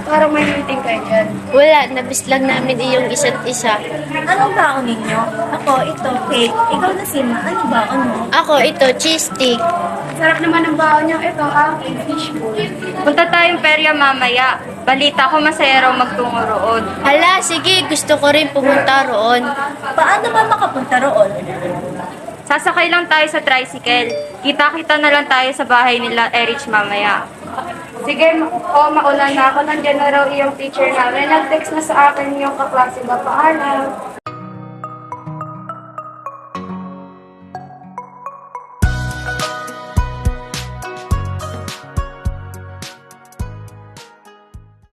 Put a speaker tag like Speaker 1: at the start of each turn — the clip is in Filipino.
Speaker 1: Parang may meeting kayo dyan.
Speaker 2: Wala, nabis lang namin iyong isa't isa.
Speaker 3: Anong baon ninyo? Ako, ito, cake. Ikaw na Sima, ano baon mo?
Speaker 2: Ako, ito, cheese stick.
Speaker 1: Sarap naman ang baon niyo. Ito, aking fishbowl.
Speaker 4: Punta tayong perya mamaya. Balita ko masaya raw magtungo roon.
Speaker 2: Hala, sige, gusto ko rin pumunta roon.
Speaker 3: Paano ba makapunta roon?
Speaker 4: Sasakay lang tayo sa tricycle. Kita-kita na lang tayo sa bahay nila Erich mamaya.
Speaker 1: Sige, mauna na ako. Nandiyan na raw iyong teacher namin. Nag-text na sa akin yung kaklase ba. Paalam.